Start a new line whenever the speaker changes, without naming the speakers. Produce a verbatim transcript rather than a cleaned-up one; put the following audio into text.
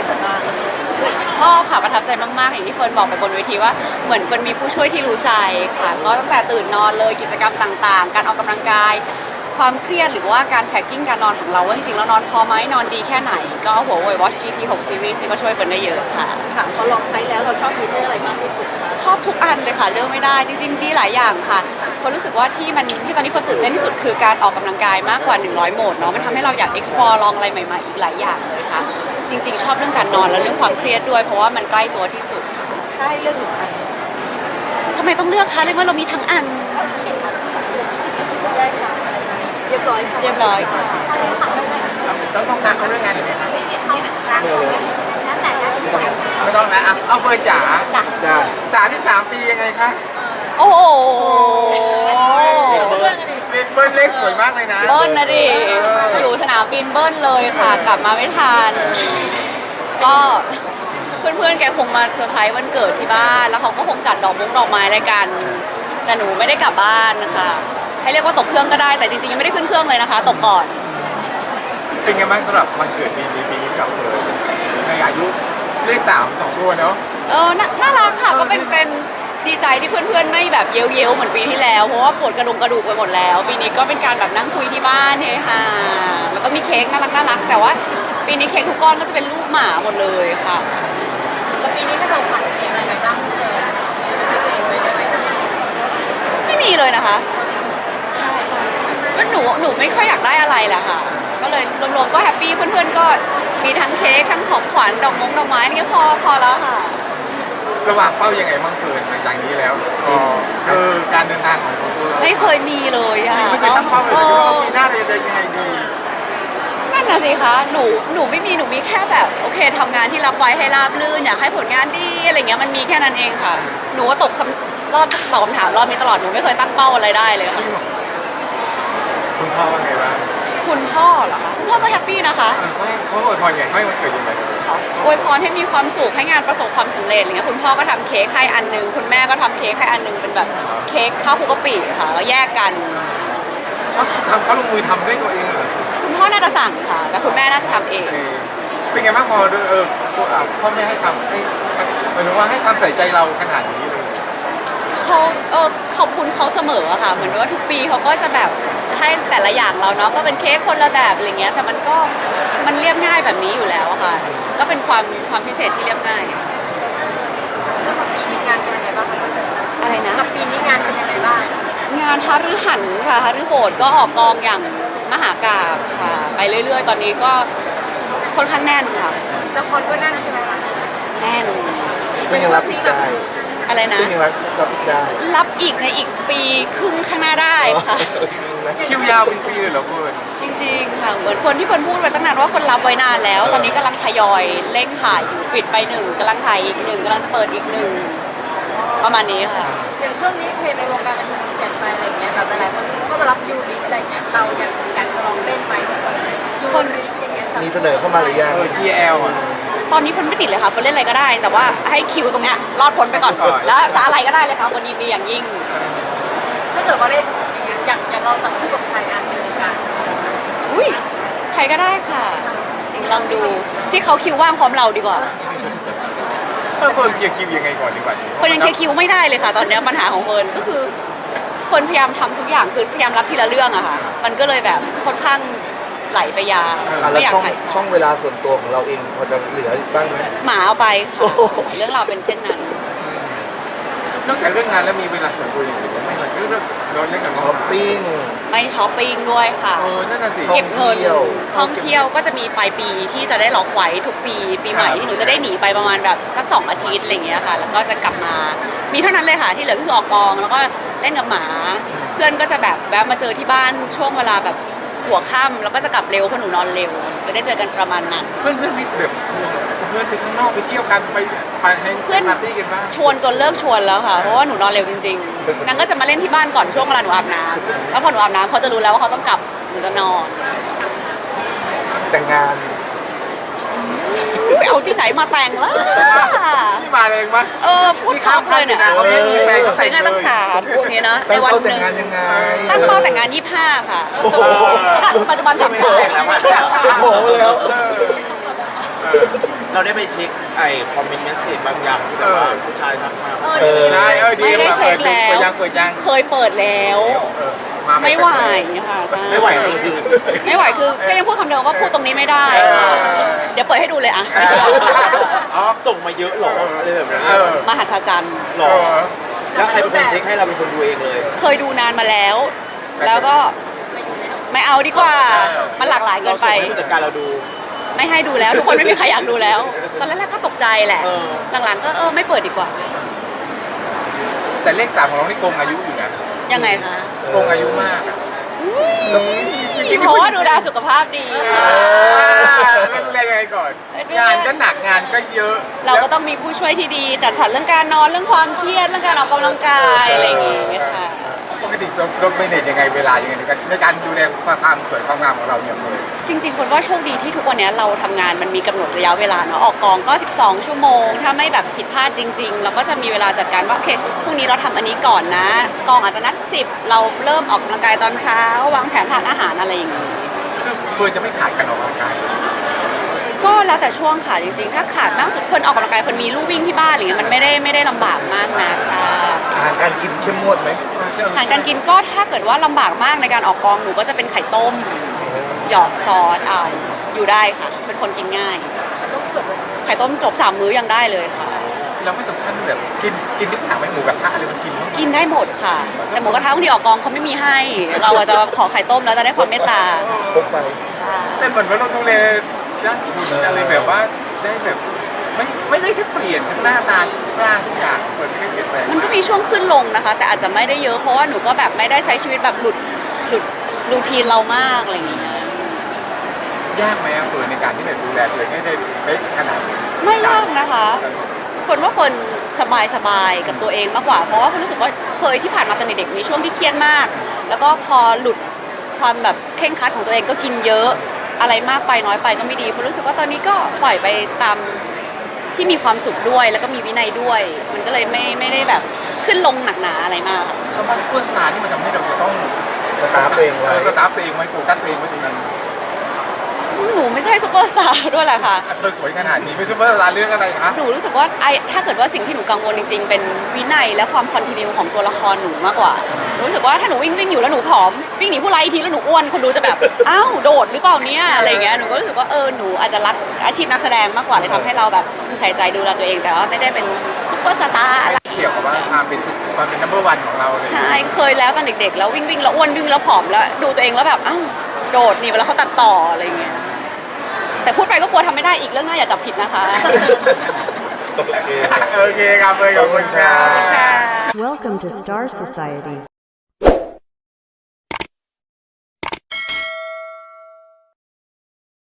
นบ้าง
ชอบค่ะประทับใจมากๆอย่างที่เฟิร์นบอกไปบนเวทีว่าเหมือนเฟิร์นมีผู้ช่วยที่รู้ใจค่ะก็ตั้งแต่ตื่นนอนเลยกิจกรรมต่างๆการออกกำลังกายความเครียดหรือว่าการแทร็กกิ้งการนอนของเราว่าจริงๆแล้วนอนพอไหมนอนดีแค่ไหนก็หัวเว่ย Watch จี ที หก Series นี่ก็ช่วยเฟิร์นได้เยอะค่ะ
ค่ะพอลองใช้แล้วเราชอบฟีเจอร์อะไรมากที่สุดคะ
ชอบทุกอันเลยค่ะเลือกไม่ได้จริงๆดีหลายอย่างค่ะเฟิร์นรู้สึกว่าที่มันที่ตอนนี้เฟิร์นตื่นเต้นที่สุดคือการออกกำลังกายมากกว่าหนึ่งร้อยโหมดเนาะมันทำให้เราอยาก explore ลองอะไรใหม่ๆอีกหลายอย่างเลยค่ะจริงๆชอบเรื่องการนอนและเรื่องความเครียดด้วยเพราะว่ามันใกล้ตัวที่สุด
ถ้าให้เลือกหนึ่งอัน
ทำไมต้องเลือกคะเลยว่าเรามีทั้งอัน
ได้ค่ะเรียบร้อยค่ะ
เรียบร้อยค่ะ
ต้องต้องการเอาเรื่องงานอีกไหมครับไม่เลยไม่ต้องนะเอาเฟิร์นจ๋าจ้าสามสิบสามปียังไงคะ
โอ้โห
เบิ้ลเล็กสวยมากเลยนะ
เบิ้ลนะดิอยู่สนามบินเบิ้ลเลยค่ะกลับมาไม่ทันก็เพื่อนๆแกคงมาเซอร์ไพรส์วันเกิดที่บ้านแล้วเขาก็คงจัดดอกมุ้งดอกไม้อะไรกันแต่หนูไม่ได้กลับบ้านนะคะให้เรียกว่าตกเครื่องก็ได้แต่จริงๆยังไม่ได้ขึ้นเครื่องเลยนะคะตกก่อน
เป็นไงบ้างสำหรับวันเกิดปีนี้ปีนี้กับเฟิร์นในอายุเลขสามสองตัวเนาะ
เออน่ารักค่ะก็เป็นเป็นดีใจที่เพื่อนๆไม่แบบเย้ยวๆเหมือนปีที่แล้วเพราะว่าปวดกระดุมกระดูกไปหมดแล้วปีนี้ก็เป็นการแบบนั่งคุยที่บ้านเฮฮาแล้วก็มีเค้กน่ารักน่ารักแต่ว่าปีนี้เค้กทุกก้อนก็จะเป็นรูปหมาหมดเลยค่ะ
แล้วปีนี้ถ้าเราผ่านเองอะไรบ้าง
ไม่มีเลยนะคะใช่ใช่แล้วหนูหนูไม่ค่อยอยากได้อะไรแหละค่ะก็เลยรวมๆก็แฮปปี้เพื่อนๆก็มีทั้งเค้กทั้งของขวัญดอกมงดอกไม้นี่พอพอแล้วค่ะ
ระหว่างเป้ายังไงบ้างเฟิร์นหลังจากนี้แล้วก็คือการเดินทางของตัวเรา
ไม่เคยมีเลยอะ
ไม่เคยตั้งเป้าเลยว่าปีหน้าเราจะเดินยังไงดี
นั่นน่ะสิคะหนูหนูไม่มีหนูมีแค่แบบโอเคทำงานที่รับไว้ให้ราบรื่นอยากให้ผลงานดีอะไรเงี้ยมันมีแค่นั้นเองค่ะหนูว่าตกคำรอบตอบคำถามรอบนี้ตลอดหนูไม่เคยตั้งเป้าอะไรได้เลยค่ะ
คุณพ่อว่าไงบ้าง
คุณพ่อเหรอคะคุณพ่อก็แฮปปี้นะคะ
เขาเขาอวยพรไงให้มันเกิดยังไง
อวยพรให้มีความสุขให้งานประสบความสำเร็จอะไรเงี้ยคุณพ่อก็ทำเค้กให้อันนึงคุณแม่ก็ทำเค้กให้อันนึงเป็นแบบเค้กข้าวคุกกะปิค่ะแล้วแยกกัน
ทำเขาลงมือทำด้วยตัวเองเหรอ
คุณพ่อน่าจะสั่งค่ะแต่คุณแม่น่าจะทำเอง
เป็นไงบ้างพอเออพ่อแม่ให้ทำให้หมายถึงว่าให้ความใส่ใจเราขนาดนี้เลย
เขาเออขอบคุณเขาเสมอค่ะเหมือนว่าทุกปีเขาก็จะแบบให้แต่ละอย่างเราเนาะก็เป็นเค้กคนละแบบอะไรเงี้ยแต่มันก็มันเรียบง่ายแบบนี้อยู่แล้วค่ะก็เป็นความความพิเศษที่เรียบง่าย
แล้วกับปีนี้งานเป็นยังไงบ้าง
อะไรนะ
กับปีนี้งานเป็นยังไงบ้าง
งานฮารือหันค่ะฮารือโหดก็ออกกองอย่างมหากาพย์ค่ะไปเรื่อยๆตอนนี้ก็ค่อนข้างแน่นค่ะ
ละครก็แน่นใช่ไหมคะ
แน่น
ก็ยังรับอีกได้
อะไรนะ
ก็ยังรับรับอีกได้
รับอีกในอีกปีครึ่งข้างหน้าได้ค่ะ
คิวยาวเป็นปีเลยเหรอเฟิร์น
จริงๆค่ะเหมือนคนที่เฟิร์นพูดไปตั้งนานว่าคนรับไว้นานแล้วตอนนี้กำลังทยอยเร่งถ่ายอยู่ปิดไปหนึ่งกำลังถ่ายอีกหนึ่งกำลังจะเปิดอีกหนึ่งประมาณนี้ค่ะ
อย่างช่วงนี้เทรนในวงการบันเทิงเปลี่ยนไปอะไรเงี้ยแบบหลายคนก็มารับยูริอะไรเงี้ยเรายังอยากจะลองเล่นไหมยูริอย่างเงี้ย
มีเสนอเข้ามาหรือยัง จี แอล อ่ะ
ตอนนี้เฟิร์นไม่ติดเลยค่ะเฟิร์นเล่นอะไรก็ได้แต่ว่าให้คิวตรงเนี้ยรอดพ้นไปก่อนแล้วจะอะไรก็ได้เลยค่ะวันนี้ดีอย่างยิ่ง
ถ้าเกิดว่าเล่นอย่างเงี้ยอยากอยากเราจับคู่กับใครอ่ะในวงการ
อุ้ยใครก็ได้ค่ะลองดูที่เขาคิวว่างพร้อมเราดีกว่า
เฟิร์นเคลียร์คิวยังไงก่อนดีกว่า
เฟิร์นยังเคลียร์คิวไม่ได้เลยค่ะตอนนี้ปัญหาของเฟิร์นก็คือเฟิร์นพยายามทำทุกอย่างคือพยายามรับทีละเรื่องอะค่ะมันก็เลยแบบค่อนข้างไหลไปยาว
ไม่อยากถ่ายช่องเวลาส่วนตัวของเราเองพอจะเหลือบ้างไหม
หมาเอาไปค่ะเรื่องเราเป็นเช่นนั้น
นอกจากเรื่องงานแล้วมีเวลาส่วนตัวอย่างอื่นไหมไม่เรื่องเราเล่นกับ
ช้อปปิ้ง
ไม่ช้อปปิ้งด้วยค่ะ
เออนั่นน่ะสิ
เก็บเงินท่องเที่ยวก็จะมีปลายปีที่จะได้ล็อกไว้ทุกปีปีใหม่ที่หนูจะได้หนีไปประมาณแบบสักสองอาทิตย์อะไรเงี้ยค่ะแล้วก็จะกลับมามีเท่านั้นเลยค่ะที่เหลือก็คือออกกองแล้วก็เล่นกับหมาเพื่อนก็จะแบบแวะมาเจอที่บ้านช่วงเวลาแบบหัวค่ำแล้วก็จะกลับเร็วเพราะหนูนอนเร็วจะได้เจอกันประมาณนั้น
เพื่อนเพื่อนมีแบบเพื่อนไปข้างนอกไปเที่ยวกันไปไปให้เพื่อนปาร์ตี้กันบ้าง
ชวนจนเลิกชวนแล้วค่ะเพราะว่าหนูนอนเร็วจริงๆนางก็จะมาเล่นที่บ้านก่อนช่วงเวลาหนูอาบน้ำแล้วพอหนูอาบน้ำเขาจะรู้แล้วว่าเขาต้องกลับหนูจะนอน
แต่งงาน
เอาที่ไหนมาแต่งล่ะ
นี่มาเองปะ
เออพูดชอบเลยเนี่ย
เขาไม่มีแฟนเขาแต่ง
งานตั้งสามพวกนี้นะ
ในวันหนึ่ง
ตั้งเป้าแต่งงานยี่สิบห้าค่ะปัจจุบันสามสิบแล้ว
โอ้โหแล้ว
เราได้ไปเช็คไอ้คอมเมนต์เมสเซจบางอย่างที่แบบว่าผู้ชายทักมา
เออ
เอ
ดี
อใช่เออดี
ไม่ได้เช็คแล้ว
เปิดยังเปิดยัง
เคยเปิดแล้ว
เออมา
ไม่ไหวค่ะใช่
ไม่ไหวคือ
ไม่ไหวคือก็ยังพูดคำเดิมว่าพูดตรงนี้ไม่ได้ค่ะเดี๋ยวเปิดให้ดูเลยอะไม่เชื่อ
อ๋อ
ส่งมาเยอะหรออะไรแบบนั้น
เออ
มหัศจรรย์
หรอแล้วใครเป็นคนเช็คให้เราเป็นคนดูเองเลย
เคยดูนานมาแล้ว แล้วก็ไม่เอาดีกว่า มันหลากหลายเกิ
เรา
นไป
ส่งให้ผู้จัดการเราดู
ไม่ให้ดูแล้ว ทุกคนไม่มีใครอยากดูแล้ว ตอนแรกๆก็ตกใจแหละ
เออ
หลังๆก็เออไม่เปิดดีกว่า
แต่เลขสามของเรานี่โกงอายุอยู่นะ
ยังไงคะ
โกงอายุมากอะจริงๆ
เพราะว่าดูแลสุขภาพดี
อ่าแล้วดูแลยังไงก่อน งานก็หนักงานก็เยอะ
เราก็ต้องมีผู้ช่วยที่ดี จัดสรรเรื่องการนอนเรื่องความเครียดเรื่องการออกกำลังกายอะไรอย่างเงี้ยค่ะ
ปกติเราเราเมเนจยังไงเวลายังไงในการในการดูแลความสวยความงามของเราเนี่ยเลย
จริงๆคนว่าโชคดีที่ทุกวันนี้เราทำงานมันมีกำหนดระยะเวลาเนาะออกกองก็ สิบสอง ชั่วโมง ถ้าไม่แบบผิดพลาดจริง ๆ เราก็จะมีเวลาจัดการว่าโอเคพรุ่งนี้เราทำอันนี้ก่อนนะ กองอาจจะนัดสิบเราเริ่มออกกำลังกายตอนเช้าวางแผนทานอาหารอะไรอย่างงี้
คือเฟิร์นจะไม่ขาดการออกกำลังกายเลย
ก็แล้วแต่ช่วงค่ะจริงๆ ถ้าขาดมากสุดเฟิร์นออกกำลังกายเฟิร์นมีลู่วิ่งที่บ้านอะไรเงี้ยมันไม่ได้ไม่ได้ลำบากมากนะใช่
อาหารการกินเข้มงวดไหม
อาหารการกินก็ถ้าเกิดว่าลำบากมากในการออกกองหนูก็จะเป็นไข่ต้มหยอกซอสเอาอยู่ได้ค่ะ เป็นคนกินง่าย ไข่ต้มจบสามมื้อยังได้เลยค่ะ
เราไม่ถึงขั้นแบบกินกินทุกอย่างไหมหมูกระทะอะไรมันกินมั้ย
กินได้หมดค่ะ แต่หมูกระทะบางทีออกกองเขาไม่มีให้ เราอาจจะขอไข่ต้มแล้วจะได้ความเมตตา
พกไป
ใช่
แต่เหมือนว่าเราดูแลด้านหุ่นอะไรแบบว่าได้แบบไม่ไม่ได้แค่เปลี่ยนทั้งหน้าตาร่างทุกอย่างเปิดไม่ได้เปลี่ยนแปลง
มันก็มีช่วงขึ้นลงนะคะ แต่อาจจะไม่ได้เยอะเพราะว่าหนูก็แบบไม่ได้ใช้ชีวิตแบบหลุดหลุดรูทีนเรามากอะไรอย่างเงี้ย
ยากไหมอะเฟิร์นในการที่แบบดูแลตัวเองให้ได้เป๊ะขนาดนี้
ไม่ยากนะคะฝนว่าฝนสบายสบายกับตัวเองมากกว่า เพราะว่าฝนรู้สึกว่าเคยที่ผ่านมาตอนเด็กๆมีช่วงที่เครียดมาก แล้วก็พอหลุดความแบบเคร่งครัดของตัวเองก็กินเยอะอะไรมากไปน้อยไปก็ไม่ดีฝนรู้สึกว่าตอนนี้ก็ปล่อยไปตามที่มีความสุขด้วย แล้วก็มีวินัยด้วย มันก็เลยไม่ไม่ได้แบบขึ้นลงหนักหนาอะไรมากค่ะ
คำว่าซูเปอร์สตาร์นี่มันทำให้เราจะต้อง
สตาร์ฟตัวเองไว้
สตาร์ฟตัวเองไว้โฟกัสตัวเองไว้ตรงนั้น
หนูไม่ใช่ซูเปอร์สตาร์ด้วยแหละค่ะ
เธอสวยขนาดนี้เป็นซูเปอร์สตาร์เรื่องอะไรคะ
หนูรู้สึกว่าไอถ้าเกิดว่าสิ่งที่หนูกังวลจริงๆ เป็นวินัยและความคอนติเนียของตัวละครหนูมากกว่าหนูรู้สึกว่าถ้าหนูวิ่งวิ่งอยู่แล้วหนูผอมวิ่งหนีผู้ร้ายอีกทีแล้วหนูอ้วนคนดูจะแบบ อ้าวโดดหรือเปล่าเนี่ยอะไรเงี้ยหนูก็รู้สึกว่าเออหนูอาจจะรักอาชีพนักแสดงมากกว่าเลยทำให้เราแบบใส่ใจดูแลตัวเองแต่ว่าไม่ได้เป็นซุปเปอร์สตาร์อะไร
เกี่ยวกับว่าความเป็นความเป็นนัมเบอร์วันของเราเลย
ใช่เคยแล้วตอนเด็กๆ แล้ววิ่งวิ่งแล้วอ้วนวิ่งแล้วผอมแล้วดูตัวเองแล้วแบบอ้าวโดดหนีไปแล้วเขาตัดต่ออะไรเงี้ยแต่พูดไปก็กลัวทำไม่ได้อีกเรื่องหน้าอย่าจับผิดนะคะ
โอเคครับเลยขอบคุณค่ะ
ค่ะ
Welcome to Star Society.